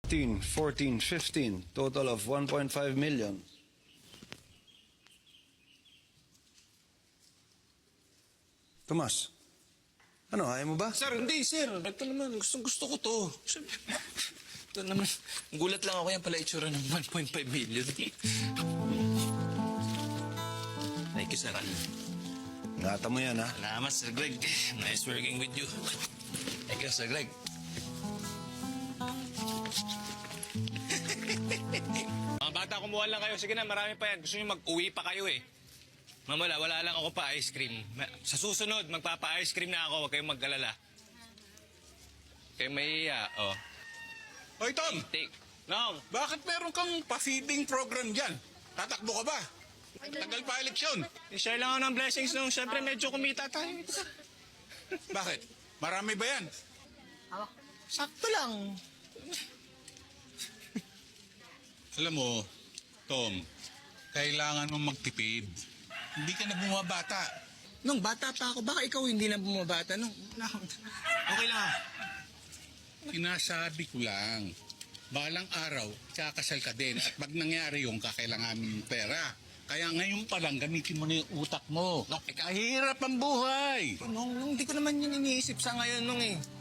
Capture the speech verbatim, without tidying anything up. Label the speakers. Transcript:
Speaker 1: thirteen, fourteen, fifteen. Total of one point five million. Tomas, ano, ayaw mo ba?
Speaker 2: Sir, hindi, sir. Ito naman, gustong gusto ko to. Sir, ito naman, gulat lang ako yan pala itsura ng one point five million. Thank you, sir.
Speaker 1: Ingatan mo yan, ha?
Speaker 2: Salamat, Sir Greg. Nice working with you. Thank you, Sir Greg. Mga bata, kumuha lang kayo. Sige na, marami pa yan. Gusto nyo mag-uwi pa kayo eh. Mamala, wala lang ako pa ice cream. Sa susunod, magpapa-ice cream na ako. Huwag kayong mag-alala. Kayo mahiya, oh.
Speaker 3: Hoy, Tom!
Speaker 2: Take. No.
Speaker 3: Bakit meron kang pa-feeding program dyan? Tatakbo ka ba? Tagal pa eleksyon.
Speaker 2: I-share lang ako ng blessings nung siyempre medyo kumita tayo.
Speaker 3: Bakit? Marami ba yan?
Speaker 2: Sakto lang.
Speaker 3: Alam mo, Tom, kailangan mong magtipid. Hindi ka na bumabata.
Speaker 2: Nung bata pa ako, baka ikaw hindi na bumabata. Nung, okay lang.
Speaker 3: Sinasabi ko lang, balang araw, kakasal ka din. At pag nangyari yung kakailanganin ng pera. Kaya ngayon pa lang, gamitin mo na yung utak mo.
Speaker 2: No, ikaw.
Speaker 3: Kahirap ang buhay.
Speaker 2: Nung, nung hindi ko naman yun iniisip sa ngayon nung eh.